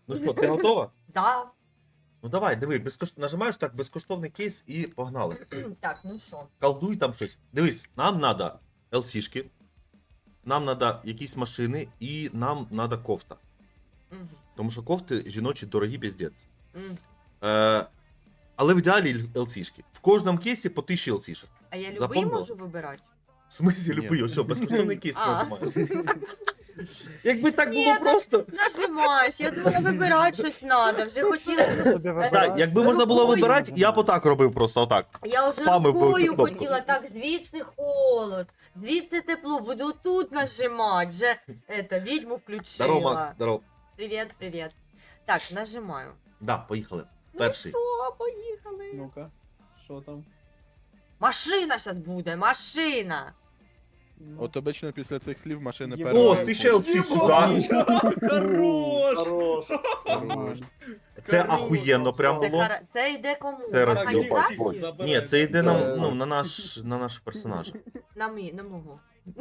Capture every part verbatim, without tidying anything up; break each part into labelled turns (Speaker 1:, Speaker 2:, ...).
Speaker 1: Ну що, ти готова?
Speaker 2: Да.
Speaker 1: Ну давай, диви, безкош... нажимаєш так, безкоштовний кейс і погнали.
Speaker 2: Так, ну що?
Speaker 1: Колдуй там щось. Дивись, нам треба ел сі-шки, нам треба якісь машини і нам треба кофта.
Speaker 2: Мгм.
Speaker 1: Тому що кофти жіночі дорогі піздець.
Speaker 2: Мгм.
Speaker 1: Е, але в ідеалі ел сі-шки. В кожному кейсі по тисячі ел сі-шок.
Speaker 2: А я любий
Speaker 1: Запомнила?
Speaker 2: можу вибирати?
Speaker 1: В смислі
Speaker 3: Ні.
Speaker 1: любий, ось, безкоштовний кейс
Speaker 2: А.
Speaker 1: нажимаєш. Якби так
Speaker 2: Ні,
Speaker 1: було просто.
Speaker 2: Нажимаєш, я думала, вибирати щось треба. Вже хотіла.
Speaker 1: Так, якби можна було
Speaker 2: Рукою.
Speaker 1: вибирати, я б отак робив просто отак.
Speaker 2: Я вже
Speaker 1: Спамив би
Speaker 2: рукою
Speaker 1: кнопку.
Speaker 2: хотіла, так, звідси холод, звідси тепло, буду тут нажимати. Вже это, відьму включила.
Speaker 1: Здорово, Макс, здорово.
Speaker 2: Привіт, привіт. Так, нажимаю.
Speaker 1: Да, поїхали. Перший.
Speaker 2: Ну що, поїхали.
Speaker 4: Ну-ка, що там?
Speaker 2: Машина зараз буде, машина.
Speaker 4: Ну.
Speaker 3: От обично після цих слів машини
Speaker 4: Є-
Speaker 3: перші.
Speaker 1: О, тисяча ел сі сюди.
Speaker 4: Хорош! Хорош!
Speaker 3: Нормально.
Speaker 1: Це ахуєнно прям
Speaker 2: Це,
Speaker 1: було.
Speaker 2: хара... це йде кому?
Speaker 1: Це
Speaker 2: На
Speaker 1: розділ.
Speaker 2: кандидатів?
Speaker 1: Ні, це йде
Speaker 3: Е.
Speaker 1: на, ну, на наш, на наш персонаж.
Speaker 2: На мій, на мого.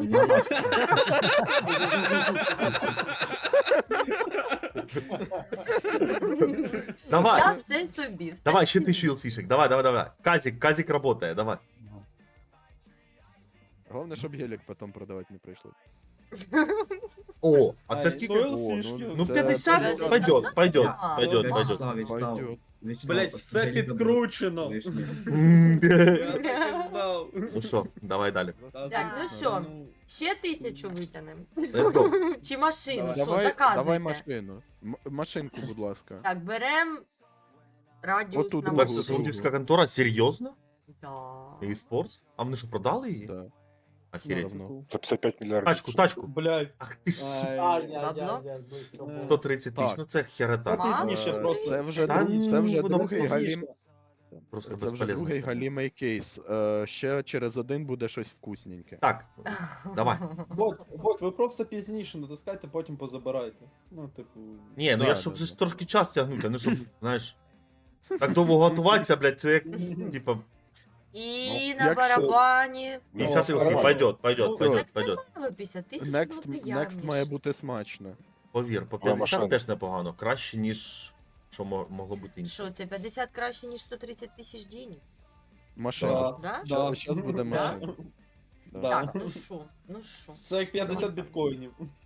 Speaker 1: Давай,
Speaker 2: Я все собі.
Speaker 1: давай, ще тисячу ел сі-шек. Давай, давай, давай. Казик, Казик работає, давай.
Speaker 3: Головне, щоб гелік потім продавати не прийшлось.
Speaker 1: О, а це
Speaker 4: Ай,
Speaker 1: скільки?
Speaker 4: ну,
Speaker 3: О,
Speaker 4: Л-сішки.
Speaker 1: Ну
Speaker 3: це-
Speaker 1: п'ятдесят
Speaker 2: це-
Speaker 1: пойдет, пойдет,
Speaker 2: А,
Speaker 1: пойдет,
Speaker 2: ну,
Speaker 1: пойдет.
Speaker 5: Вячеслав, Вячеслав,
Speaker 3: Пойдет.
Speaker 5: Вячеслав,
Speaker 4: Блять, все
Speaker 5: посмотри,
Speaker 4: підкручено.
Speaker 5: лишнє.
Speaker 4: Я так і знав.
Speaker 1: Ну що, давай далі.
Speaker 2: Так, ну що, ще тисячу витягнемо?
Speaker 1: Let's go.
Speaker 2: Чи машину? Що,
Speaker 3: Давай,
Speaker 2: заказуйте?
Speaker 3: давай машину. М- машинку, будь ласка.
Speaker 2: Так, берем радіус
Speaker 3: Отут
Speaker 2: на
Speaker 3: у
Speaker 1: Перша
Speaker 3: Перше,
Speaker 1: саудівська контора, серйозно?
Speaker 2: Да.
Speaker 1: E-Sports? А вони що, продали її?
Speaker 3: Да.
Speaker 1: Охереть.
Speaker 3: Давно.
Speaker 6: За пятьдесят пять миллиардов.
Speaker 1: Тачку, тачку.
Speaker 4: Блять.
Speaker 1: Ах ти ж су-
Speaker 2: Бабло?
Speaker 1: сто тридцять тисяч,
Speaker 3: Так.
Speaker 1: ну це херета.
Speaker 2: Ма?
Speaker 4: Пізніше
Speaker 3: Е,
Speaker 4: просто.
Speaker 3: Це вже,
Speaker 1: Та
Speaker 3: друг- це вже
Speaker 1: ну, воно
Speaker 3: другий
Speaker 1: пізніше.
Speaker 3: галім.
Speaker 1: Просто
Speaker 3: Це вже
Speaker 1: безполезно.
Speaker 3: другий галімий кейс. Е, ще через один буде щось вкусненьке.
Speaker 1: Так, давай.
Speaker 4: Бот, бот, ви просто пізніше натискайте, потім позабирайте. Ну, типу.
Speaker 1: Ні, ну
Speaker 3: Да,
Speaker 1: я
Speaker 3: да,
Speaker 1: щоб же
Speaker 3: да.
Speaker 1: ж трошки час тягнути, а не щоб, знаєш. Так довго готуватися, блядь, це як, типа,
Speaker 2: І
Speaker 3: Ну,
Speaker 2: на
Speaker 3: якщо-
Speaker 2: барабані.
Speaker 1: п'ятдесят
Speaker 4: Ну,
Speaker 1: ел сі,
Speaker 4: нормально.
Speaker 1: пойдет, пойдет,
Speaker 4: Ну,
Speaker 1: пойдет,
Speaker 2: Так це
Speaker 1: пойдет.
Speaker 2: мало, п'ятдесят тисяч
Speaker 3: Next,
Speaker 2: було
Speaker 3: next
Speaker 2: приємніше.
Speaker 3: має бути смачно.
Speaker 1: Повір, по
Speaker 6: Моя
Speaker 1: п'ятдесят
Speaker 6: машина.
Speaker 1: теж непогано, краще, ніж що мо- могло бути інше.
Speaker 2: Що, це п'ятдесят краще, ніж сто тридцять тисяч денег?
Speaker 3: Машина.
Speaker 2: Да?
Speaker 4: Да.
Speaker 3: Щас буде
Speaker 4: Да.
Speaker 3: машина. Да.
Speaker 4: Да.
Speaker 2: Так, ну що, ну що.
Speaker 4: Це як п'ятдесят біткоїнів.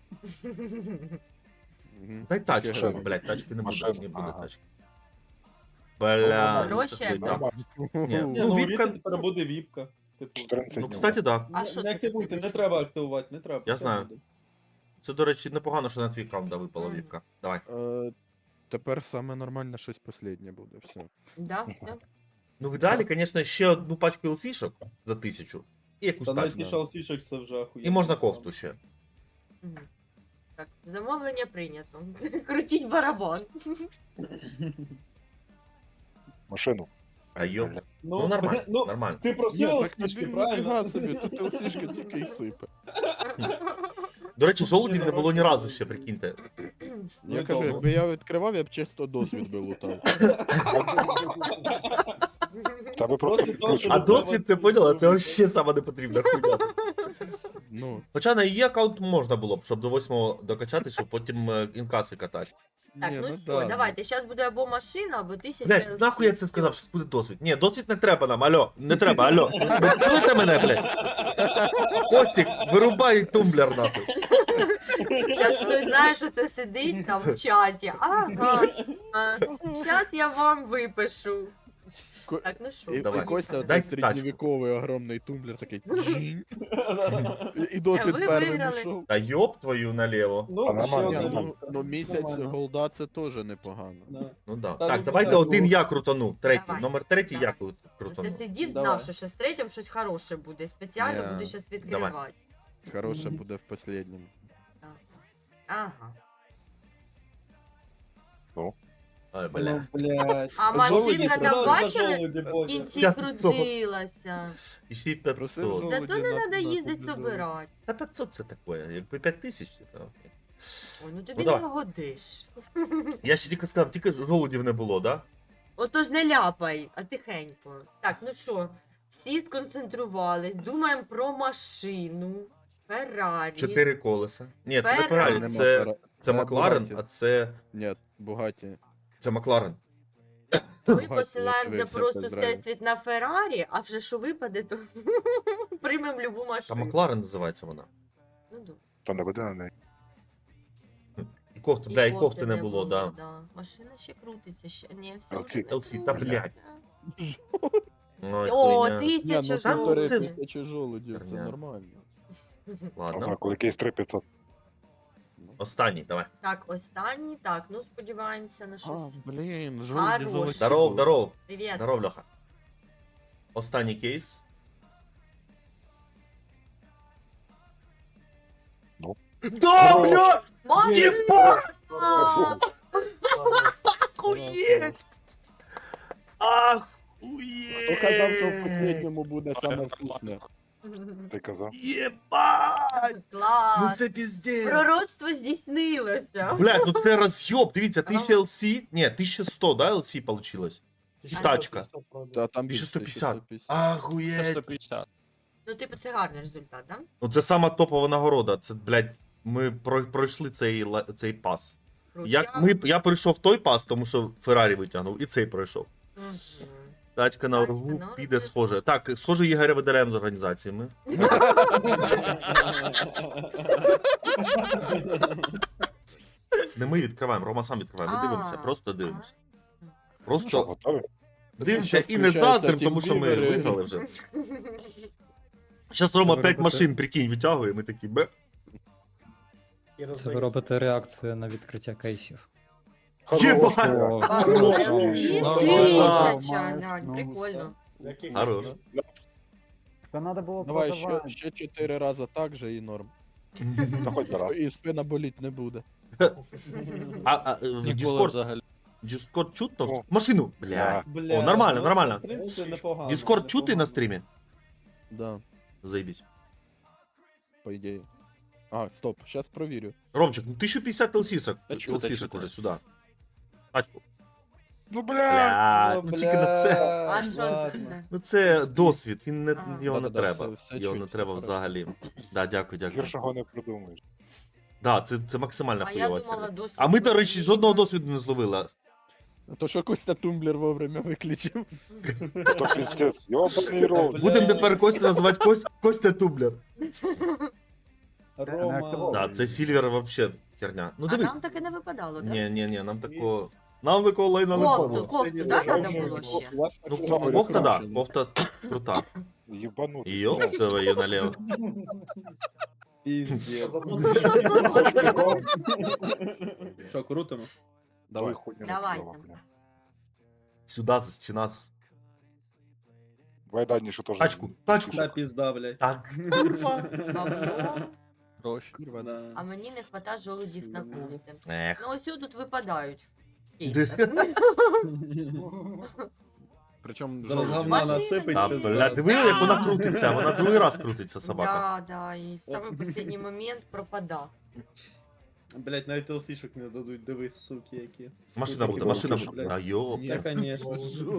Speaker 3: Мгм.
Speaker 1: Дай тачку,
Speaker 6: Машина.
Speaker 1: блядь, тачки не буде,
Speaker 6: Машина,
Speaker 1: не буде
Speaker 6: ага.
Speaker 1: тачки. Бля,
Speaker 2: Гроші?
Speaker 1: це да. Ні,
Speaker 4: Ні,
Speaker 1: Ну,
Speaker 4: ну,
Speaker 1: віпка-
Speaker 4: віпка тепер буде віпка. Типу.
Speaker 6: четырнадцать
Speaker 1: Ну,
Speaker 6: дней.
Speaker 1: кстати, да.
Speaker 2: А
Speaker 4: Не-
Speaker 2: що
Speaker 4: не
Speaker 2: це
Speaker 4: активуйте,
Speaker 2: таке?
Speaker 4: не треба активувати, не треба.
Speaker 1: Я
Speaker 4: Це
Speaker 1: знаю.
Speaker 4: буде.
Speaker 1: Це, до речі, непогано, що на твій каунт випала
Speaker 2: Мгм.
Speaker 1: віпка. Давай.
Speaker 3: Е, Тепер саме нормальне щось останнє буде. Все.
Speaker 2: Да, все.
Speaker 1: Ну, в ідеалі, звісно, ще одну пачку ел сі-шок за тисячу. І якусь
Speaker 4: Та навіть
Speaker 1: тачку.
Speaker 4: ті шалсішек це вже охуєнно.
Speaker 1: І можна кофту ще.
Speaker 2: Мгм. Так, замовлення прийнято. Крутіть барабан.
Speaker 6: Машину.
Speaker 1: А йоп.
Speaker 4: Ну,
Speaker 1: Ну, нормально,
Speaker 4: ну,
Speaker 1: нормально.
Speaker 4: ти просив
Speaker 3: Ні, так
Speaker 4: шалсішки,
Speaker 3: тобі
Speaker 4: правильно?
Speaker 3: ніфіга собі, тут ЛСішки тільки й сипе.
Speaker 1: До речі, жолудів не було ні разу ще, прикиньте.
Speaker 3: Я
Speaker 4: і
Speaker 3: кажу,
Speaker 4: добре.
Speaker 3: якби я відкривав, я б чисто досвід би лутав.
Speaker 6: Та ви
Speaker 4: Просто
Speaker 6: просто
Speaker 4: то, що
Speaker 1: А
Speaker 4: ви
Speaker 1: досвід, це поняла, це взагалі сама непотрібна хуйня.
Speaker 3: Ну,
Speaker 1: Хоча на її аккаунт можна було б, щоб до восьмого докачати, щоб потім е, інкаси катати.
Speaker 2: Так,
Speaker 3: ні,
Speaker 2: ну,
Speaker 3: ну
Speaker 2: все,
Speaker 3: да,
Speaker 2: давайте, зараз буде або машина, або тисяча.
Speaker 1: Блять, нахуй я це сказав, що буде досвід. Ні, досвід не треба нам, алло, не треба, алло. Ви чуєте мене, блять? Костік, вирубай тумблер, нахуй.
Speaker 2: Зараз хтось знає, що це сидить там в чаті. Ага. Зараз я вам випишу.
Speaker 3: Ко-
Speaker 2: Так, ну що,
Speaker 3: і, і
Speaker 1: Давай.
Speaker 3: Костя
Speaker 1: Дай
Speaker 3: оцей середньовіковий огромний тумблер такий. джинь. І- І досвід
Speaker 2: Ви
Speaker 3: перший
Speaker 2: виграли.
Speaker 3: пішов.
Speaker 1: Та йоп твою наліво.
Speaker 4: Ну,
Speaker 6: А
Speaker 4: ще
Speaker 6: нормально,
Speaker 3: Ні,
Speaker 4: одна
Speaker 6: нормально.
Speaker 4: віпка.
Speaker 3: ну, ну місяць
Speaker 4: Нормально.
Speaker 3: голда це теж непогано.
Speaker 4: Да.
Speaker 1: Ну да.
Speaker 4: Та
Speaker 1: Так,
Speaker 4: ну,
Speaker 1: давайте
Speaker 4: так,
Speaker 1: один
Speaker 4: ну.
Speaker 1: я крутану. Третій.
Speaker 2: Давай.
Speaker 1: Номер третій я
Speaker 2: Давай.
Speaker 1: кру-
Speaker 2: Це
Speaker 1: крутану.
Speaker 2: сидів,
Speaker 4: Давай.
Speaker 2: знав, що ще з третім щось хороше буде. Спеціально
Speaker 3: Ні.
Speaker 2: буду зараз відкривати.
Speaker 3: Хороше
Speaker 4: Мгм.
Speaker 3: буде в последньому.
Speaker 2: Ага.
Speaker 1: Ой, бля.
Speaker 4: Ну, блядь.
Speaker 2: А
Speaker 4: Жолуді,
Speaker 2: машинка там
Speaker 4: продали за
Speaker 2: бачили?
Speaker 4: жолуді,
Speaker 2: В
Speaker 4: Бодя.
Speaker 2: кінці
Speaker 1: п'ятсот.
Speaker 2: крутилася.
Speaker 1: І ще й
Speaker 3: Просив
Speaker 1: п'ятсот.
Speaker 3: жовтий.
Speaker 2: Зато не
Speaker 3: на-
Speaker 2: треба
Speaker 3: на
Speaker 2: їздити
Speaker 3: публізову.
Speaker 2: собирати.
Speaker 1: Та п'ятсот це таке, якби п'ять тисяч, то окей.
Speaker 2: Ой, ну тобі
Speaker 1: Ну,
Speaker 2: не
Speaker 1: давай.
Speaker 2: годиш.
Speaker 1: Я ще тільки сказав, тільки жолудів не було, да?
Speaker 2: Отож не ляпай, а тихенько. Так, ну що, всі сконцентрувались, думаємо про машину. Феррарі.
Speaker 1: Чотири колеса. Ні, це не
Speaker 2: Феррарі.
Speaker 1: Феррарі,
Speaker 3: Нема
Speaker 1: це,
Speaker 3: пера-
Speaker 1: Це
Speaker 3: Це
Speaker 1: Макларен,
Speaker 3: Бугатті.
Speaker 1: а це.
Speaker 3: Ні, Бугаті.
Speaker 1: Це Макларен.
Speaker 2: Ми
Speaker 3: Бачите,
Speaker 2: посилаємося
Speaker 3: як ви
Speaker 2: просто
Speaker 3: все зразу.
Speaker 2: всесвіт на Феррарі, а вже що випаде, то приймемо любу
Speaker 1: Та
Speaker 2: машину.
Speaker 1: Макларен називається вона.
Speaker 2: Ну, да.
Speaker 6: Та не буде на неї.
Speaker 1: І кофти,
Speaker 2: І
Speaker 1: бля, і кофти не було, да.
Speaker 2: да. Машина ще крутиться, ще. Ні, все
Speaker 6: Ел Сі.
Speaker 2: вже не
Speaker 1: Ел Сі, та,
Speaker 2: крутиться.
Speaker 1: блядь. Ой,
Speaker 2: О,
Speaker 1: хуйня.
Speaker 3: Ні,
Speaker 2: тисяча
Speaker 3: ну
Speaker 1: Та, ну,
Speaker 3: півтори
Speaker 1: це-
Speaker 2: жовтих.
Speaker 3: тисячі жолудів, це
Speaker 1: Херня.
Speaker 3: нормально.
Speaker 1: Ладно.
Speaker 6: Однак, якийсь три п'ятсот.
Speaker 1: Останній, давай.
Speaker 2: Так, останній, так, ну сподіваємося на
Speaker 3: А,
Speaker 2: щось.
Speaker 3: блін,
Speaker 2: Хорош.
Speaker 3: жолуді золоті.
Speaker 1: Здоров,
Speaker 3: були.
Speaker 1: здоров.
Speaker 2: Привіт.
Speaker 1: Здоров, Льоха. Останній кейс.
Speaker 6: Ну.
Speaker 1: Да, бля!
Speaker 2: Машина!
Speaker 1: Охуєть! Охуєть!
Speaker 3: Хто казав, що в останньому буде саме вкусне?
Speaker 6: Ти казав.
Speaker 1: Єбать! Ну
Speaker 2: Клас!
Speaker 1: це піздець!
Speaker 2: Пророцтво здійснилося.
Speaker 1: Блядь, ну це роз'єб, дивіться, тисяча ел сі, ні, тисяча сто, да, ел сі получилось? Тачка.
Speaker 3: Та там
Speaker 1: тисяча сто
Speaker 3: більше,
Speaker 1: п'ятдесят.
Speaker 3: тисяча
Speaker 1: Ахуєть!
Speaker 5: сто п'ятдесят.
Speaker 2: Ну, типу, це гарний результат, да?
Speaker 1: Ну це сама топова нагорода, це, блядь, ми про- пройшли цей, ла- цей пас. Як ми, я пройшов той пас, тому що Феррарі витягнув, і цей пройшов.
Speaker 2: Мгм.
Speaker 1: Тачка на
Speaker 2: Тачка
Speaker 1: оргу
Speaker 2: на
Speaker 1: піде
Speaker 2: оргу.
Speaker 1: схоже. Так, схоже, Ігоря видаляємо з організаціями. Не ми відкриваємо, Рома сам відкриває. Ми
Speaker 2: А.
Speaker 1: дивимося, просто дивимося.
Speaker 6: Що,
Speaker 1: Просто
Speaker 6: готові?
Speaker 1: дивимося
Speaker 3: Щас
Speaker 1: і не
Speaker 3: включається
Speaker 1: заздрим, тому що ми
Speaker 3: тімбілери.
Speaker 1: виграли вже. Зараз Рома
Speaker 7: ви
Speaker 1: п'ять
Speaker 7: робите?
Speaker 1: машин, прикинь, витягує, ми такі бе.
Speaker 7: Це ви робите реакцію на відкриття кейсів.
Speaker 1: Єбать!
Speaker 6: Хорош,
Speaker 7: О,
Speaker 2: Вау,
Speaker 5: Ні,
Speaker 2: тисяча,
Speaker 8: ну,
Speaker 2: глянь,
Speaker 8: ну,
Speaker 2: прикольно.
Speaker 1: Хорош.
Speaker 8: Та надо було
Speaker 3: Давай ще,
Speaker 8: продавати.
Speaker 3: ще чотири рази так же і норм.
Speaker 6: Та хоч би раз.
Speaker 3: І спина боліть не буде.
Speaker 1: А, а е, в
Speaker 5: Ніколи
Speaker 1: Discord,
Speaker 5: взагалі.
Speaker 1: Discord чутно?
Speaker 6: О.
Speaker 1: Машину! Бля.
Speaker 4: Бля,
Speaker 1: О, нормально,
Speaker 4: ну,
Speaker 1: нормально.
Speaker 4: В принципі, непогано.
Speaker 1: Discord чути
Speaker 4: непогано.
Speaker 1: на стрімі?
Speaker 3: Да,
Speaker 1: Заебись.
Speaker 3: по ідеї. А, стоп, зараз провірю.
Speaker 1: Ромчик, ну тисяча п'ятдесят ЛСішок,
Speaker 5: Та чути,
Speaker 1: ЛСішок
Speaker 5: чути.
Speaker 1: уже сюди. Тачку.
Speaker 6: Ну, бля!
Speaker 1: Бля,
Speaker 4: О,
Speaker 1: ну тільки на це.
Speaker 2: А що це?
Speaker 4: ладно.
Speaker 1: Ну це досвід, він не,
Speaker 2: А.
Speaker 1: його не
Speaker 3: Да-да-да,
Speaker 1: треба.
Speaker 3: все- все
Speaker 1: Його не
Speaker 3: чуть,
Speaker 1: треба
Speaker 3: все
Speaker 1: взагалі. Да, дякую, дякую.
Speaker 6: Гіршого не придумаєш.
Speaker 1: Да, це, це максимально
Speaker 2: А я
Speaker 1: хуйова
Speaker 2: думала,
Speaker 1: херня.
Speaker 2: досвід.
Speaker 1: А ми, до речі,
Speaker 2: буде.
Speaker 1: жодного досвіду не зловили.
Speaker 3: То що Костя тумблер вовремя виключив.
Speaker 6: То піздець, йобаний рот.
Speaker 4: Бля.
Speaker 1: Будемо тепер Костю називати Кость, Костя Тублер.
Speaker 4: Рома.
Speaker 1: Да, це Сільвер вообще херня. Ну
Speaker 2: А
Speaker 1: дивись.
Speaker 2: нам таке не випадало, так?
Speaker 1: Ні, ні, ні, нам такого. Нам такого лайна не
Speaker 2: Кофту,
Speaker 1: було.
Speaker 2: кофту, да, треба було ще?
Speaker 3: У вас
Speaker 1: Ну,
Speaker 3: аксесуари
Speaker 1: кофта, да,
Speaker 3: вкручені.
Speaker 1: кофта крута.
Speaker 6: Єбанутий.
Speaker 1: Йоп, твою налево.
Speaker 4: Піздець. Що, крутимо?
Speaker 3: Давай.
Speaker 2: Давайте.
Speaker 1: Сюди зас чи назас.
Speaker 6: Давай Дані, що теж.
Speaker 1: Тачку, тачку.
Speaker 4: Да, пізда, блядь.
Speaker 1: Так, курва.
Speaker 2: Бабло.
Speaker 5: Гроші.
Speaker 3: Курва,
Speaker 4: Да.
Speaker 2: А мені не хвата жолудів на кофти.
Speaker 1: Ех.
Speaker 2: Ну ось тут випадають.
Speaker 1: Де?
Speaker 3: Причому
Speaker 4: Зараз
Speaker 3: жовті.
Speaker 4: говна
Speaker 2: Машина
Speaker 4: насипить.
Speaker 1: Та,
Speaker 4: пізда.
Speaker 1: бля, диви, як вона крутиться, вона другий раз крутиться, собака.
Speaker 2: Да, да, і в самий останній момент пропада.
Speaker 4: Блять, навіть ЛСішок не дадуть, дивись, суки, які.
Speaker 1: Машина буде, машина буде. А йоп.
Speaker 3: Ні.
Speaker 4: Та, конечно.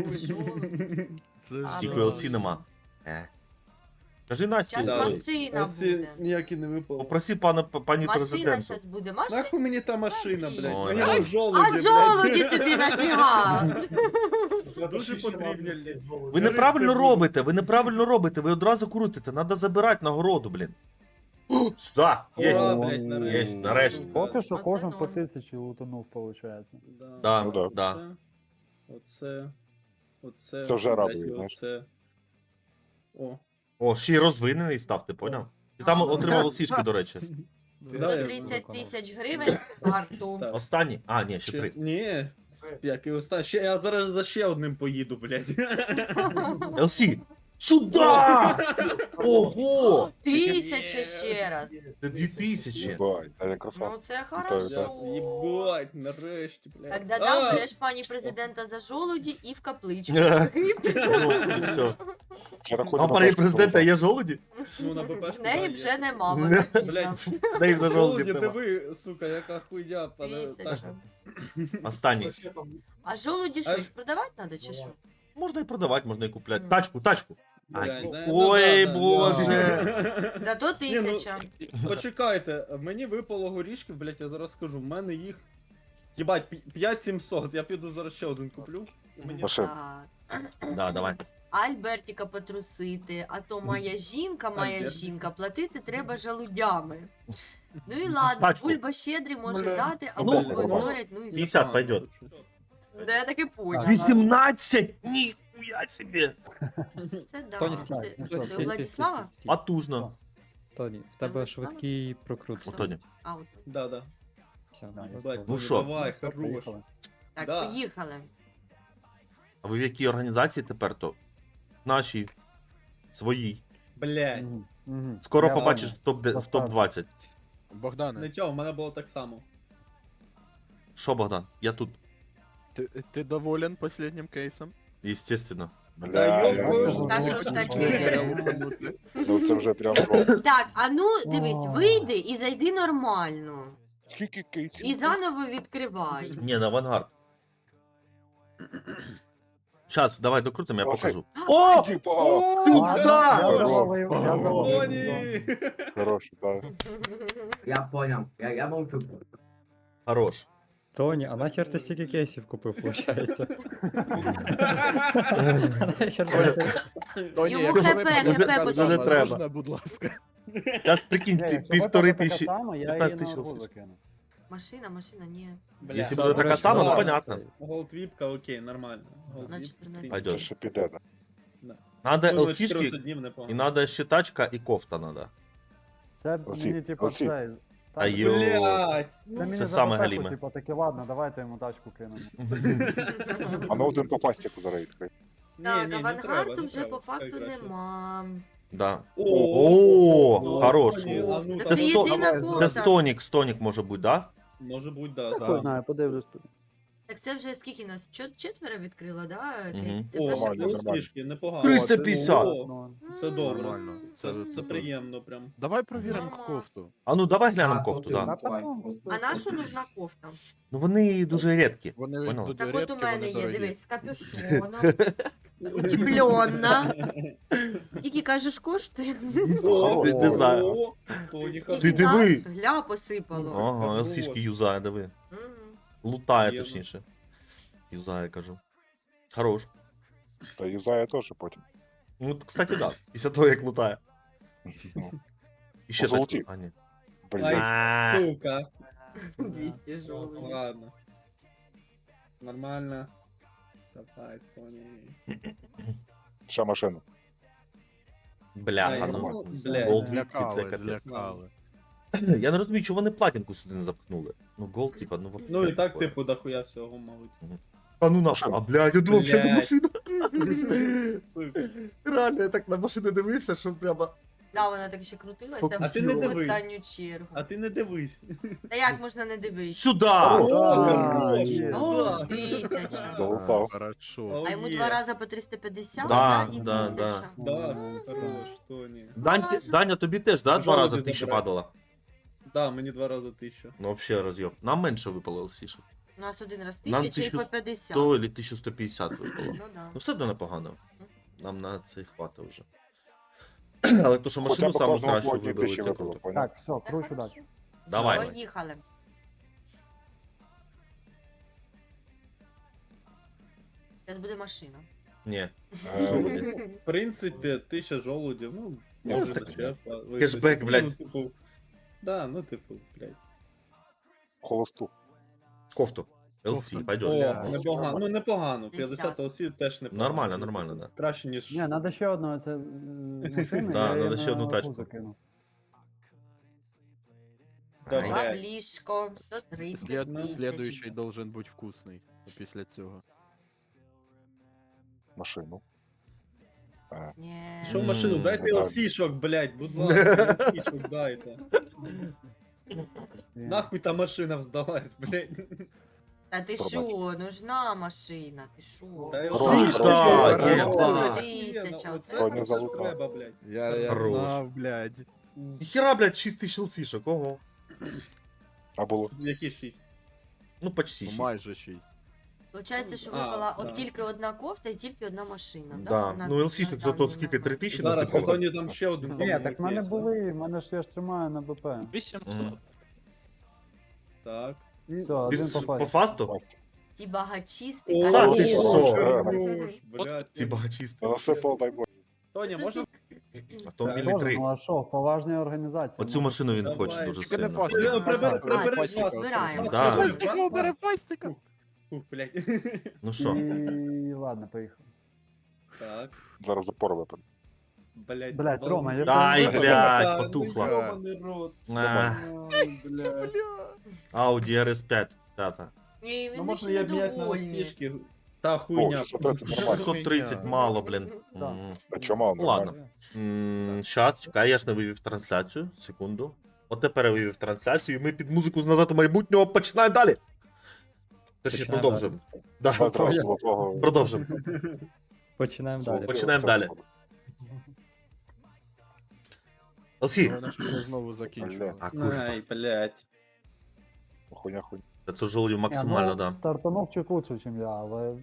Speaker 3: Це
Speaker 2: А,
Speaker 1: Тільки
Speaker 2: ну.
Speaker 1: ел сі нема. Е. Кажи Насті,
Speaker 2: Зараз
Speaker 4: Да.
Speaker 2: машина
Speaker 4: ЛСі
Speaker 2: буде.
Speaker 4: ніякі не випало.
Speaker 1: попроси пана, пані
Speaker 2: Машина
Speaker 1: президенту.
Speaker 2: зараз буде. Машина.
Speaker 4: Нахуй мені та машина, блядь.
Speaker 1: Ой,
Speaker 4: Мені
Speaker 1: да.
Speaker 4: на жолуді,
Speaker 2: А
Speaker 4: блядь.
Speaker 2: жолуді тобі нафіга?
Speaker 4: Дуже потрібні, блядь.
Speaker 1: Ви неправильно робите, ви неправильно робите, ви одразу крутите, треба забирати нагороду, блін. О, Сюда,
Speaker 4: Ура,
Speaker 1: єсть.
Speaker 4: блядь, нарешті.
Speaker 1: Єсть, нарешті.
Speaker 8: Поки що
Speaker 2: Оце
Speaker 8: кожен по
Speaker 2: норм.
Speaker 8: тисячі лутанув, виходить.
Speaker 4: Да.
Speaker 1: Да,
Speaker 6: Ну да.
Speaker 1: да.
Speaker 4: Оце. Оце.
Speaker 6: Це вже
Speaker 4: блядь,
Speaker 6: радує,
Speaker 4: і
Speaker 6: знаєш.
Speaker 4: Оце. О.
Speaker 1: О, ще й розвинений став, ти поняв? Ти там
Speaker 2: А.
Speaker 1: отримав сішки, до речі.
Speaker 4: Да, я-
Speaker 2: тридцять тисяч гривень в карту.
Speaker 4: Так.
Speaker 1: Останні? А, ні, ще
Speaker 4: Ще-
Speaker 1: три.
Speaker 4: Ні. Як і оста... Ще я зараз за ще одним поїду, блядь.
Speaker 1: ел сі. Сюда! Ого!
Speaker 2: Тисяча ще раз.
Speaker 1: Це дві тисячі.
Speaker 6: Єбать, а я красавчик.
Speaker 2: Ну це
Speaker 6: Вітаю,
Speaker 2: хорошо.
Speaker 4: Єбать, нарешті, блядь.
Speaker 2: Тогда
Speaker 4: А!
Speaker 2: дам береш пані президента за жолуді і в капличку.
Speaker 1: Ну, і все.
Speaker 6: Це рахуй
Speaker 1: А
Speaker 6: на
Speaker 1: пані
Speaker 6: першу
Speaker 1: президента
Speaker 6: голову.
Speaker 1: є жолуді?
Speaker 4: Ну, на
Speaker 2: В
Speaker 4: БПшку,
Speaker 2: неї
Speaker 4: да,
Speaker 2: вже
Speaker 4: є.
Speaker 2: нема, вона бідна.
Speaker 4: Блядь.
Speaker 1: Дай вже
Speaker 4: Жолуді,
Speaker 1: жолудів нема.
Speaker 4: диви, сука, яка хуйня, пане. Так.
Speaker 2: Тисяча.
Speaker 1: Останній.
Speaker 2: А жолуді що,
Speaker 4: А-
Speaker 2: їх продавати треба чи що?
Speaker 1: Можна і продавати, можна і купляти.
Speaker 2: Мгм.
Speaker 1: Тачку, тачку. Ай.
Speaker 4: Блядь, да,
Speaker 1: Ой,
Speaker 4: ну да, да,
Speaker 1: боже.
Speaker 4: да.
Speaker 2: Зато
Speaker 4: Ні, ну,
Speaker 2: тисяча.
Speaker 4: Почекайте, мені випало горішків, блядь, я зараз скажу, в мене їх. Єбать, п'ять сімсот, я піду зараз ще один куплю. Мені...
Speaker 6: Машин.
Speaker 2: Так.
Speaker 1: Да, давай.
Speaker 2: Альбертіка потрусити, а то моя жінка, моя
Speaker 4: Альбертик.
Speaker 2: жінка, платити треба жалудями. Ну і ладно,
Speaker 1: Тачку.
Speaker 2: Бульба щедрий може
Speaker 4: Бля.
Speaker 2: дати, а
Speaker 1: Ну,
Speaker 2: Бульбу ігнорять, ну і все.
Speaker 1: п'ятдесят пойдет.
Speaker 2: Да я таки поняла.
Speaker 1: вісімнадцять! Ніхуя собі!
Speaker 2: Це да.
Speaker 7: Тоні,
Speaker 2: Це,
Speaker 7: стій,
Speaker 8: ну
Speaker 2: це
Speaker 8: що,
Speaker 2: у
Speaker 7: стій, стій,
Speaker 2: Владислава?
Speaker 7: стій, стій.
Speaker 1: Потужно.
Speaker 7: Тоні, в тебе швидкий прокрут.
Speaker 1: О, Тоні.
Speaker 2: А, от.
Speaker 4: Да, да.
Speaker 7: Все,
Speaker 8: Да,
Speaker 7: let's
Speaker 4: Бать,
Speaker 7: go.
Speaker 1: Ну що?
Speaker 4: Давай,
Speaker 8: Все,
Speaker 4: хорош.
Speaker 8: поїхали.
Speaker 2: Так,
Speaker 4: Да.
Speaker 2: поїхали.
Speaker 1: А ви в якій організації тепер то? Нашій. Своїй.
Speaker 4: Блядь.
Speaker 8: Мгм, мгм.
Speaker 1: Скоро
Speaker 8: Я
Speaker 1: побачиш в
Speaker 8: ладно.
Speaker 1: топ в топ двадцять.
Speaker 3: Богдане,
Speaker 4: Нічого, в мене було так само.
Speaker 1: Що, Богдан? Я тут.
Speaker 3: ти, ти доволен последнім кейсом?
Speaker 1: Естественно.
Speaker 4: Да,
Speaker 6: Бля,
Speaker 4: йо-моє.
Speaker 6: я-
Speaker 2: Та що ж таке?
Speaker 6: Ну це вже прям гол.
Speaker 2: Так, а ну дивись,
Speaker 8: О.
Speaker 2: вийди і зайди нормально.
Speaker 6: Скільки кейсів?
Speaker 2: І заново відкривай.
Speaker 1: Ні, на авангард. Щас, давай докрутимо, я
Speaker 6: Оце.
Speaker 1: покажу.
Speaker 6: О! Типа!
Speaker 1: Сука!
Speaker 8: Я завалив, я завалив.
Speaker 4: Тоні!
Speaker 6: Хороший, так.
Speaker 5: Я понял. Я, я молчу.
Speaker 1: Хорош.
Speaker 7: Тоні, а нахер ти стільки кейсів купив, виходить?
Speaker 3: Тоні,
Speaker 2: Йому
Speaker 3: якщо ви
Speaker 2: ХП,
Speaker 3: подивитесь
Speaker 1: ХП
Speaker 3: на
Speaker 1: потрібно.
Speaker 3: зону,
Speaker 1: Не треба.
Speaker 3: можна, будь ласка.
Speaker 1: Зараз прикинь,
Speaker 8: Ні,
Speaker 1: пів-
Speaker 8: якщо
Speaker 1: півтори
Speaker 8: випаде така
Speaker 1: тисячі.
Speaker 8: сама, я її
Speaker 1: п'ятнадцять
Speaker 8: на
Speaker 1: тисяч
Speaker 8: арбуз
Speaker 1: лосів.
Speaker 8: закину.
Speaker 2: Машина, машина, ні.
Speaker 4: Бля,
Speaker 1: Якщо
Speaker 4: да,
Speaker 1: буде така
Speaker 4: коротше,
Speaker 1: сама, то
Speaker 4: ладно.
Speaker 1: понятно.
Speaker 4: Голдвіпка, окей, нормально. Голдвіп.
Speaker 2: На чотирнадцять.
Speaker 1: Пойдет.
Speaker 6: Це ще піде, да.
Speaker 1: Надо
Speaker 4: Ну, на
Speaker 1: ЛСішки
Speaker 4: чотирнадцять днів
Speaker 1: і
Speaker 4: непогано.
Speaker 1: надо ще тачка і кофта надо.
Speaker 8: Це
Speaker 6: Олексій,
Speaker 8: мені типу
Speaker 6: Олексій.
Speaker 8: цей.
Speaker 1: А
Speaker 8: тачку-
Speaker 1: йо.
Speaker 4: Блядь!
Speaker 8: Це мені
Speaker 1: це
Speaker 8: за
Speaker 1: саме
Speaker 8: безпеку,
Speaker 1: галіме.
Speaker 8: Типу, таки, ладно, давайте йому тачку кинемо.
Speaker 6: А на один по пастіку зараз відкрий.
Speaker 2: Так,
Speaker 4: Ні, ні, не
Speaker 2: авангарду
Speaker 4: треба, не
Speaker 2: вже
Speaker 4: треба,
Speaker 2: по факту
Speaker 4: хай краще.
Speaker 2: нема.
Speaker 1: Да.
Speaker 4: О,
Speaker 1: О, хорош.
Speaker 4: Тоні, а ну
Speaker 2: Так
Speaker 1: Це
Speaker 2: це
Speaker 1: сто-
Speaker 2: єдина
Speaker 1: Це
Speaker 2: кофта.
Speaker 1: стонік, стонік може бути, да?
Speaker 4: Може бути, да.
Speaker 3: Так.
Speaker 4: да.
Speaker 8: знаю, подивлюсь тут.
Speaker 2: Так це вже скільки нас? Чот- Четверо відкрило, да?
Speaker 1: Мгм.
Speaker 2: Це
Speaker 4: О,
Speaker 2: перша
Speaker 6: нормально,
Speaker 4: ну,
Speaker 2: кофта.
Speaker 4: трішки, непогано.
Speaker 1: триста п'ятдесят.
Speaker 4: О,
Speaker 8: Ну,
Speaker 4: Це добре.
Speaker 3: Нормально.
Speaker 4: Це,
Speaker 3: Це-
Speaker 4: це
Speaker 3: це
Speaker 4: приємно прям.
Speaker 3: Давай провіримо
Speaker 2: Мама.
Speaker 3: кофту.
Speaker 1: А ну давай глянемо
Speaker 5: А,
Speaker 1: кофту,
Speaker 5: кофту,
Speaker 1: да.
Speaker 5: давай.
Speaker 2: А на що нужна кофта?
Speaker 1: Ну вони дуже рідкі.
Speaker 3: Вони
Speaker 1: Поняла.
Speaker 3: дуже
Speaker 2: Так от
Speaker 3: рідкі,
Speaker 2: у мене
Speaker 3: вони
Speaker 2: є,
Speaker 3: дорогі.
Speaker 2: дивись, з капюшоном, утеплена. Скільки кажеш коштує?
Speaker 4: О,
Speaker 1: Не- не знаю.
Speaker 4: о, Тоні,
Speaker 1: Ти
Speaker 2: Скільки
Speaker 1: диви.
Speaker 2: так? Гля посипало.
Speaker 1: Ага,
Speaker 4: Хорош.
Speaker 1: ЛСішки юзає, диви.
Speaker 2: Мгм.
Speaker 1: Лутає,
Speaker 4: Приємно.
Speaker 1: точніше. Юзає, кажу. Хорош.
Speaker 6: Та юзає теж потім.
Speaker 1: Ну, кстати, да. Після того, як лутає.
Speaker 6: Ну,
Speaker 1: І ще
Speaker 6: Позолотів.
Speaker 1: тачку. А, ні.
Speaker 4: Ай,
Speaker 6: Блін.
Speaker 1: А,
Speaker 4: сука.
Speaker 2: двісті жовтих.
Speaker 4: Ладно. Нормально. Давай, Тоні.
Speaker 6: Ще машину.
Speaker 1: Бляха,
Speaker 4: Ай,
Speaker 1: ну.
Speaker 4: ну, блядь.
Speaker 1: Gold це
Speaker 3: Злякали,
Speaker 1: капець.
Speaker 3: злякали.
Speaker 1: Я не розумію, чого вони платінку сюди не запхнули. Ну, голд, типа, ну вообще
Speaker 4: Ну і так,
Speaker 1: такое.
Speaker 4: типу, дохуя всього, мабуть.
Speaker 1: А ну нахуй. А, блядь, я думав, що не
Speaker 4: Блядь.
Speaker 1: машина.
Speaker 4: Сука.
Speaker 1: Реально, я так на машину дивився, що прямо...
Speaker 2: Да, вона так ще крутилась
Speaker 1: Скільки
Speaker 2: там
Speaker 4: А ти не
Speaker 2: в
Speaker 4: дивись.
Speaker 2: останню чергу.
Speaker 4: А ти не дивись.
Speaker 2: Та як можна не дивитися?
Speaker 1: Сюда!
Speaker 4: О,
Speaker 8: А,
Speaker 4: хорош.
Speaker 8: є.
Speaker 2: О,
Speaker 4: Да.
Speaker 2: тисяча.
Speaker 6: Залутав.
Speaker 3: А, Хорошо.
Speaker 4: О,
Speaker 2: А йому
Speaker 4: є.
Speaker 2: два рази по триста п'ятдесят,
Speaker 1: Да,
Speaker 2: да, і
Speaker 1: да,
Speaker 2: тисяча.
Speaker 4: Да, хорош, Тоні.
Speaker 1: Дань, Даня, тобі теж, да, два
Speaker 4: Пожалуйста,
Speaker 1: рази тисяча
Speaker 4: забирай.
Speaker 1: падала?
Speaker 4: Да, мені два рази тисяча.
Speaker 1: Ну, вообще роз'єб. Нам менше випало лсішок.
Speaker 2: У нас один раз
Speaker 1: Нам
Speaker 2: тисяча і
Speaker 1: тисячу
Speaker 2: по п'ятдесят.
Speaker 1: сто или тисяча сто п'ятдесят випало.
Speaker 2: Ну да.
Speaker 1: Ну все одно непогано. Нам на це хватить вже. Але то, що
Speaker 6: Хоча
Speaker 1: машину
Speaker 6: б
Speaker 1: саму
Speaker 6: кожного
Speaker 1: кращу
Speaker 6: блоку
Speaker 1: вибили,
Speaker 6: тисячі
Speaker 1: це
Speaker 6: випало,
Speaker 1: круто.
Speaker 6: поняв?
Speaker 8: Так, все, кручу далі.
Speaker 1: Давай.
Speaker 2: Поїхали. Зараз буде машина.
Speaker 1: Ні.
Speaker 6: Е,
Speaker 1: Що буде?
Speaker 4: В принципі, тисяча жолудів, ну,
Speaker 1: Ну,
Speaker 4: може
Speaker 1: так,
Speaker 4: дочерпа. випустити.
Speaker 1: кешбек, блядь.
Speaker 4: Ну, типу, да, ну, типу, блядь.
Speaker 6: Холосту.
Speaker 1: Кофту. ЛС,
Speaker 3: Кофту.
Speaker 1: пойдет.
Speaker 4: О, непогано, ну непогано,
Speaker 2: п'ятдесят.
Speaker 4: п'ятдесят ЛС теж непогано.
Speaker 1: Нормально, нормально, да.
Speaker 4: Краще, ніж...
Speaker 8: Ні, треба ще одного, це е, машини.
Speaker 1: Да,
Speaker 8: я
Speaker 1: надо
Speaker 8: її
Speaker 1: ще
Speaker 8: на
Speaker 1: одну
Speaker 8: арбуз
Speaker 1: тачку.
Speaker 8: закину.
Speaker 4: Да,
Speaker 1: Ай.
Speaker 4: блядь.
Speaker 2: Баблішко, сто тридцять
Speaker 3: Слід...
Speaker 2: тисяч.
Speaker 3: Слідуючий должен бути вкусний після цього.
Speaker 6: Машину. Е,
Speaker 2: Ні.
Speaker 4: Що в машину?
Speaker 1: М,
Speaker 4: Дайте
Speaker 6: так.
Speaker 4: ЛС-шок, блядь, будь ласка, ЛС-шок дайте.
Speaker 8: І-
Speaker 4: Нахуй та машина здалась, блядь.
Speaker 2: Та ти
Speaker 6: Пробач.
Speaker 2: що, нужна машина, ти що?
Speaker 4: Та
Speaker 6: Хорош,
Speaker 1: Сюда,
Speaker 6: хорош,
Speaker 1: єба.
Speaker 6: хорош.
Speaker 2: Тисяча,
Speaker 4: Оце
Speaker 6: Тоні
Speaker 4: те, що
Speaker 6: залутав.
Speaker 4: треба, блядь.
Speaker 3: Я, я
Speaker 1: Хорош.
Speaker 3: знав, блядь.
Speaker 1: Ніхера, блядь, шість тисяч ЛСішок, ого.
Speaker 6: А було?
Speaker 4: Які шість?
Speaker 1: Ну, почти
Speaker 3: Ну,
Speaker 1: шість.
Speaker 3: майже шість.
Speaker 2: Получається, що
Speaker 4: А,
Speaker 2: випала
Speaker 4: так.
Speaker 2: от тільки одна кофта і тільки одна машина,
Speaker 1: Да.
Speaker 2: На-
Speaker 1: Ну, ЛСішник
Speaker 2: на
Speaker 1: зато
Speaker 2: даний
Speaker 1: скільки, три
Speaker 2: момент.
Speaker 1: тисячі
Speaker 4: Зараз
Speaker 1: насипало?
Speaker 4: Антоні там ще один
Speaker 8: Ні,
Speaker 4: по-моєму,
Speaker 8: так в мене
Speaker 4: кейс,
Speaker 8: були, в мене ж я ж тримаю на БП.
Speaker 3: вісімсот.
Speaker 1: Мгм.
Speaker 4: Так.
Speaker 8: Все,
Speaker 1: Ти
Speaker 8: один
Speaker 1: с-
Speaker 8: попав.
Speaker 1: по фасту?
Speaker 2: Ті багачісти.
Speaker 4: О,
Speaker 1: Та ти
Speaker 2: конечно.
Speaker 1: що?
Speaker 4: хорош, блядь.
Speaker 1: Ці багачісти.
Speaker 6: Насипав, дай Боже.
Speaker 4: Тоні,
Speaker 2: Тут
Speaker 4: можна?
Speaker 1: Автомобілі
Speaker 8: Тоже,
Speaker 1: три.
Speaker 8: ну а що, поважні організації.
Speaker 1: Оцю
Speaker 8: ну,
Speaker 1: машину він
Speaker 4: Давай.
Speaker 1: хоче дуже
Speaker 3: Тільки не
Speaker 1: сильно.
Speaker 3: фастик.
Speaker 4: Прибери- прибери-
Speaker 8: А,
Speaker 4: прибери
Speaker 2: це
Speaker 4: з вас.
Speaker 2: збираємо.
Speaker 1: Да.
Speaker 3: Фастика, бери фастика.
Speaker 4: Ух, блядь.
Speaker 1: Ну що?
Speaker 8: І ладно, поїхав.
Speaker 4: Так.
Speaker 6: Зараз запор випаде.
Speaker 4: Блядь.
Speaker 8: Блядь, Рома, я
Speaker 1: Дай,
Speaker 8: тебе-
Speaker 1: блядь,
Speaker 4: Ну,
Speaker 1: потухла.
Speaker 4: йобаний рот.
Speaker 1: А,
Speaker 4: Ой, блядь.
Speaker 1: Audi ар ес п'ять, п'ята.
Speaker 2: І
Speaker 4: Ну
Speaker 2: він
Speaker 4: можна
Speaker 2: дуже
Speaker 4: я міняти на
Speaker 2: довольний.
Speaker 6: О,
Speaker 4: сішки. Та хуйня.
Speaker 6: шістсот тридцять нормально.
Speaker 1: шістсот тридцять мало, блін.
Speaker 8: Так.
Speaker 1: М.
Speaker 6: А чому?
Speaker 1: Ну, ладно. Щас, чекай, я ж не вивів трансляцію. Секунду. От тепер я вивів трансляцію, і ми під музику назад у майбутнього починаємо далі. Точніше,
Speaker 7: Починаємо
Speaker 1: продовжимо. Да.
Speaker 6: Метро золотого.
Speaker 1: Продовжимо.
Speaker 7: Починаємо далі.
Speaker 6: золотого
Speaker 1: Починаємо
Speaker 6: серця.
Speaker 1: далі. Олсі.
Speaker 3: Головне, щоб ми знову закінчили.
Speaker 1: А, курва.
Speaker 4: Ай, блядь.
Speaker 6: Хуйня, хуйня.
Speaker 1: п'ятсот жолудів
Speaker 8: Ні,
Speaker 1: максимально,
Speaker 8: ну,
Speaker 1: да.
Speaker 8: Стартанув чуть лучше, ніж я, але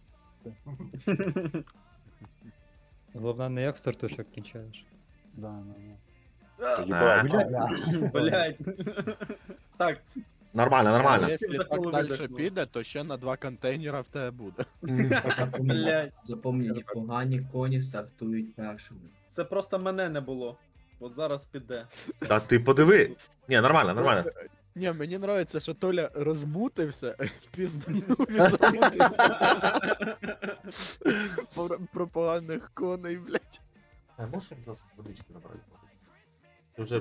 Speaker 7: Головне не як стартуєш, як кінчаєш.
Speaker 8: да, да, да.
Speaker 1: А,
Speaker 6: Їбать.
Speaker 4: Блядь. Так,
Speaker 1: Нормально, нормально.
Speaker 3: Якщо
Speaker 4: За
Speaker 3: так
Speaker 4: коло
Speaker 3: далі
Speaker 4: видихнув.
Speaker 3: піде, то ще на два контейнера в тебе буде.
Speaker 5: Запомніть,
Speaker 4: блядь.
Speaker 5: запомніть, погані коні стартують першими.
Speaker 4: Це просто мене не було. От зараз піде.
Speaker 1: Та ти подиви. Ні, нормально, нормально.
Speaker 3: Ні, мені подобається, що Толя розмутився, пізданув і замутився. Про, про поганих коней, блядь.
Speaker 1: А можеш просто водички набрати? Ти вже...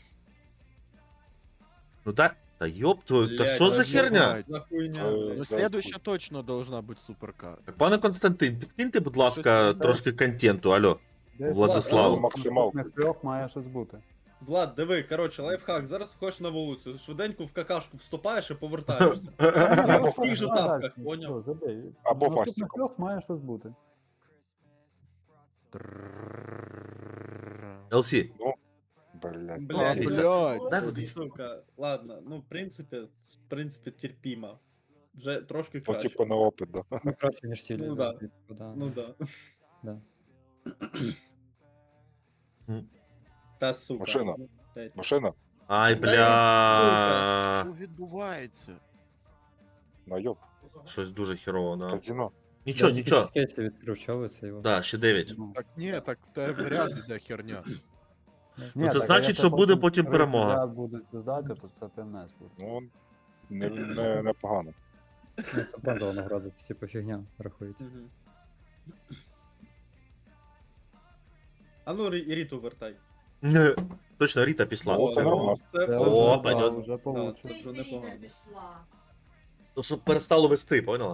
Speaker 1: Ну та... Та ёб твою, та
Speaker 4: Блядь,
Speaker 1: що за
Speaker 3: та
Speaker 1: херня?
Speaker 3: знімай.
Speaker 4: За хуйня,
Speaker 6: Е,
Speaker 3: Ну,
Speaker 4: блядь.
Speaker 3: следующа точно должна бути суперкар.
Speaker 1: Так, пане Константин, підкиньте, будь ласка,
Speaker 3: Щось там,
Speaker 1: трошки контенту, алло.
Speaker 8: Десь
Speaker 1: Владислав.
Speaker 8: так,
Speaker 6: Максималку.
Speaker 8: наступних трьох має щось бути.
Speaker 4: Влад, диви, коротше, лайфхак. Зараз виходиш на вулицю, швиденько в какашку вступаєш і повертаєшся. В тих же тапках, поняв?
Speaker 8: Все, забей.
Speaker 6: Або
Speaker 8: Наступних
Speaker 6: фастиком.
Speaker 8: трьох має щось бути.
Speaker 1: ел сі,
Speaker 6: Блядь.
Speaker 3: А,
Speaker 4: Блядь,
Speaker 1: Ліса.
Speaker 3: блядь.
Speaker 1: дай
Speaker 4: Ой,
Speaker 1: водичку.
Speaker 4: сука. Ладно, ну в принципі, в принципі, терпімо. Вже трошки
Speaker 6: Ну,
Speaker 4: краще.
Speaker 6: типу, на опит, да.
Speaker 7: Ну, краще, ніж цілі.
Speaker 4: Ну, да.
Speaker 7: да.
Speaker 4: Ну да.
Speaker 7: Да.
Speaker 4: Та сука.
Speaker 6: Машина.
Speaker 4: Ну, блядь.
Speaker 6: Машина?
Speaker 1: Ай,
Speaker 3: Що
Speaker 1: бля.
Speaker 3: відбувається?
Speaker 6: На йоп.
Speaker 1: Щось дуже херово, да.
Speaker 6: Казино.
Speaker 1: Нічого, нічого.
Speaker 7: Кейси відкрив, що ви це його.
Speaker 1: Да, ще дев'ять.
Speaker 8: Ну,
Speaker 3: Так ні, так в тебе ряд іде херня.
Speaker 1: Ну, це
Speaker 8: так, а
Speaker 1: значить,
Speaker 8: якщо
Speaker 1: що буде
Speaker 8: потім
Speaker 1: потім
Speaker 8: три
Speaker 1: перемога.
Speaker 8: підряд будуть здати, то це півнець буде.
Speaker 6: Ну, не, не, непогано.
Speaker 7: Ну, це правда награда, це типу фігня рахується.
Speaker 4: Мгм. А ну, Рі- Ріту вертай.
Speaker 1: Точно, Ріта пішла.
Speaker 6: О, це нормально.
Speaker 4: Це,
Speaker 8: Це
Speaker 4: це
Speaker 1: О,
Speaker 8: вже,
Speaker 4: вже,
Speaker 8: да,
Speaker 1: пойдет.
Speaker 8: вже получше.
Speaker 4: Це
Speaker 2: Це
Speaker 4: вже
Speaker 2: ж
Speaker 4: непогано.
Speaker 2: Ріта пішла.
Speaker 1: Ну, щоб перестало вести, поняла?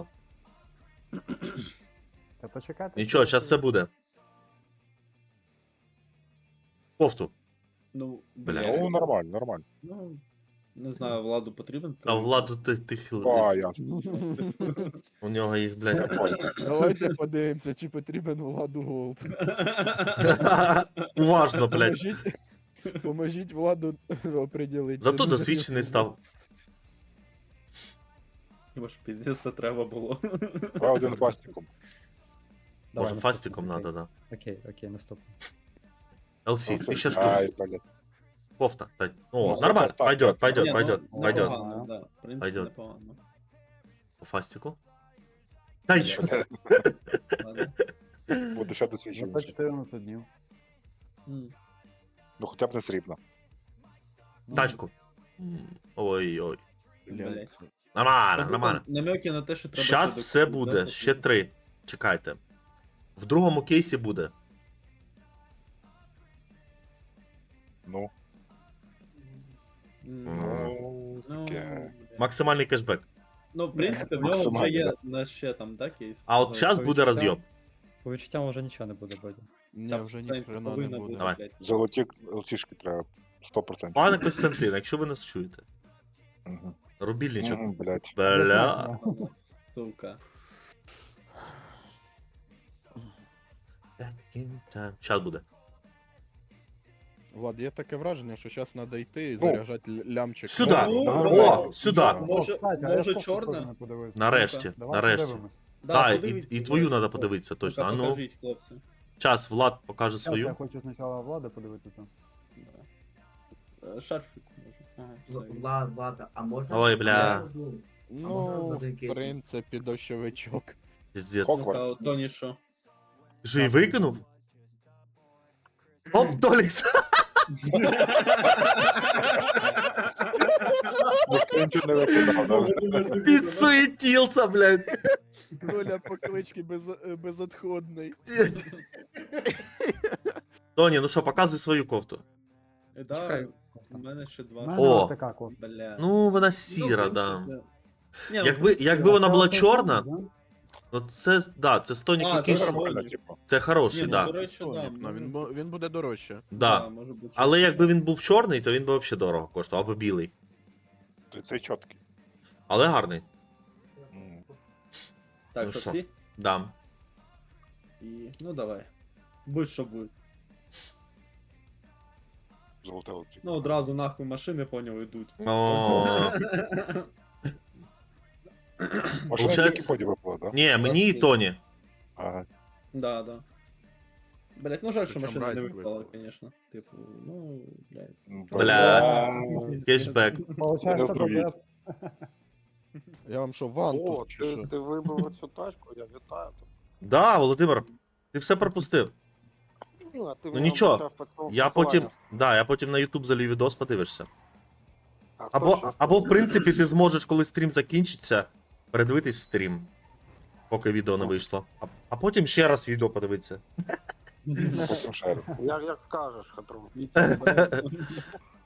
Speaker 8: Та почекайте.
Speaker 1: Нічого, зараз все буде. Кофту.
Speaker 4: Ну,
Speaker 1: Бля.
Speaker 4: блядь.
Speaker 6: Ну, нормально, нормально.
Speaker 4: Ну, не знаю, Владу потрібен.
Speaker 1: А владу ти, ти хил.
Speaker 6: А, ясно.
Speaker 1: У нього їх, блядь.
Speaker 3: Давайте подивимося, чи потрібен Владу Голд.
Speaker 1: Уважно, блядь.
Speaker 3: Поможіть, поможіть Владу оприділити.
Speaker 1: Зато досвідчений став.
Speaker 4: Хіба ж піздець це треба було.
Speaker 6: Про один фастиком.
Speaker 1: Може,
Speaker 7: наступний,
Speaker 1: фастиком
Speaker 7: окей.
Speaker 1: надо, да.
Speaker 7: Окей, окей, наступний.
Speaker 1: ел сі, ти ще
Speaker 6: Ай,
Speaker 1: штук.
Speaker 6: блядь.
Speaker 1: Кофта. Та-
Speaker 6: Ну,
Speaker 1: О, нормально.
Speaker 6: так,
Speaker 1: Пойдет,
Speaker 6: так.
Speaker 1: пойдет,
Speaker 4: Ні,
Speaker 1: пойдет,
Speaker 4: ну,
Speaker 1: пойдет.
Speaker 4: непогано, да. В принципі,
Speaker 1: Пойдет.
Speaker 4: непогано.
Speaker 1: По фастику. Та й що?
Speaker 4: Ладно.
Speaker 6: Буде ще
Speaker 8: Вже по
Speaker 6: досвідчений.
Speaker 8: чотирнадцять днів.
Speaker 4: М.
Speaker 6: Ну, хоча б не срібно.
Speaker 8: Ну,
Speaker 1: Тачку. М, Ой-ой.
Speaker 4: Блядь.
Speaker 1: Нормально,
Speaker 4: Тобто
Speaker 1: нормально.
Speaker 4: Намеки на те, що треба.
Speaker 1: Щас
Speaker 4: ще
Speaker 1: все
Speaker 4: докупити,
Speaker 1: буде,
Speaker 4: да,
Speaker 1: ще три. Чекайте. В другому кейсі буде.
Speaker 6: Ну,
Speaker 4: М.
Speaker 6: ну,
Speaker 4: Ну,
Speaker 6: таке.
Speaker 4: блядь.
Speaker 1: Максимальний кешбек.
Speaker 4: Ну, в принципі, в нього вже
Speaker 6: Максимально,
Speaker 4: є
Speaker 6: да.
Speaker 4: на ще там, да, кейс?
Speaker 1: А от
Speaker 7: Ну,
Speaker 1: зараз
Speaker 7: по
Speaker 1: буде
Speaker 7: відчуттям-
Speaker 1: розйоб.
Speaker 7: По відчуттям вже нічого не буде, Бодя.
Speaker 3: Ні,
Speaker 4: Там
Speaker 3: вже
Speaker 4: в сенсі
Speaker 3: ніхрена не
Speaker 4: повинна
Speaker 3: буде.
Speaker 1: Давай.
Speaker 4: блядь.
Speaker 6: Золоті лцішки треба. сто відсотків.
Speaker 1: Пане Костянтин, якщо ви нас чуєте,
Speaker 6: Мгм.
Speaker 1: рубільничок.
Speaker 6: Мгм, блядь.
Speaker 1: Бля.
Speaker 4: Сука.
Speaker 1: Щас буде.
Speaker 3: Влад, є таке враження, що зараз треба йти і
Speaker 6: Ну.
Speaker 3: заряджати л- лямчик.
Speaker 1: Сюда!
Speaker 4: Ну,
Speaker 1: О, сюди!
Speaker 4: Може-
Speaker 8: кстати, а я
Speaker 4: може
Speaker 8: кофту
Speaker 4: чорне?
Speaker 8: теж не подивився.
Speaker 1: Нарешті,
Speaker 8: Давай
Speaker 1: нарешті.
Speaker 8: подивимось.
Speaker 1: Так, і,
Speaker 4: подивіться,
Speaker 1: і твою
Speaker 4: давайте.
Speaker 1: треба подивитися точно. А ну,
Speaker 4: Покажіть, хлопці.
Speaker 1: час Влад покаже
Speaker 8: Щас Я
Speaker 1: свою.
Speaker 8: хочу спочатку Влада подивитися.
Speaker 4: Е, Шарфик може. Ага, все.
Speaker 5: Влад, Влад, а можна...
Speaker 1: Ой, бля.
Speaker 5: Я можу-
Speaker 3: Ну,
Speaker 5: один
Speaker 3: в
Speaker 5: кейс.
Speaker 3: принципі, дощовичок.
Speaker 1: Піздець.
Speaker 6: Хок-
Speaker 4: Ну-ка, от Тоні що?
Speaker 1: Ти що, і викинув? Оп, Толікс!
Speaker 6: Ніхто нічого не викидав, да?
Speaker 1: Підсуетівся, блядь.
Speaker 3: Доля поклички без, е, безотходний.
Speaker 1: Тоні, ну що, показуй свою кофту.
Speaker 4: Е, Да,
Speaker 7: Чекай.
Speaker 4: у мене ще два.
Speaker 8: У мене
Speaker 1: О.
Speaker 8: ось така кофта.
Speaker 4: Бля.
Speaker 1: Ну, вона
Speaker 4: Ну,
Speaker 1: сіра,
Speaker 4: в
Speaker 1: да.
Speaker 4: принципі, Ні, ну,
Speaker 1: Якби,
Speaker 4: в принципі,
Speaker 1: якби вона
Speaker 8: Це
Speaker 1: була
Speaker 8: оцей
Speaker 1: чорна,
Speaker 8: самий, да?
Speaker 1: ну це, да, це стонік
Speaker 4: А,
Speaker 1: якийсь,
Speaker 4: це
Speaker 6: Нормально, типу.
Speaker 1: це хороший,
Speaker 4: Ні, ну,
Speaker 1: да.
Speaker 4: до речі, да,
Speaker 3: Тонік, ну,
Speaker 4: може-
Speaker 3: він, бу- він буде дорожче.
Speaker 1: Да.
Speaker 4: може бути,
Speaker 1: Але
Speaker 4: що-
Speaker 1: якби він був чорний, то він би взагалі дорого коштував, або білий.
Speaker 6: То Цей чіткий.
Speaker 1: Але гарний.
Speaker 6: М.
Speaker 4: Так,
Speaker 1: ну
Speaker 4: що
Speaker 1: що?
Speaker 4: ці?
Speaker 1: Да.
Speaker 4: І... Ну давай. Будь що буде.
Speaker 6: Золоте лиці.
Speaker 4: Ну одразу нахуй машини поняв йдуть.
Speaker 1: О,
Speaker 6: Машина
Speaker 1: Получається-
Speaker 6: тільки поді випала, да?
Speaker 1: ні, мені і Тоні.
Speaker 6: Ага.
Speaker 4: Да, да. Блять, ну жаль, що
Speaker 3: Причому
Speaker 4: машина не
Speaker 3: разик
Speaker 4: випала,
Speaker 3: випала.
Speaker 4: звісно. Типу, ну, блядь.
Speaker 1: Бля. Кешбек.
Speaker 8: Получається,
Speaker 6: Поздравіть.
Speaker 8: тобі
Speaker 3: Я вам що, ван
Speaker 9: О,
Speaker 3: тут чи
Speaker 9: ти,
Speaker 3: що?
Speaker 9: ти вибив цю тачку, я вітаю тебе.
Speaker 1: Да, Володимир, ти все пропустив.
Speaker 9: Ну, а ти
Speaker 1: Ну
Speaker 9: мене
Speaker 1: нічого,
Speaker 9: обіцяв під слово
Speaker 1: Я потім,
Speaker 9: посилання.
Speaker 1: да, я потім на YouTube залію відос, подивишся.
Speaker 9: А хто
Speaker 1: Або,
Speaker 9: ще?
Speaker 1: або, в принципі, ти зможеш, коли стрім закінчиться, передивитись стрім, поки відео не вийшло. А, а потім ще раз відео подивитися.
Speaker 6: Потім шеру.
Speaker 9: Як, як скажеш, Хатрун.
Speaker 4: І це, блядь,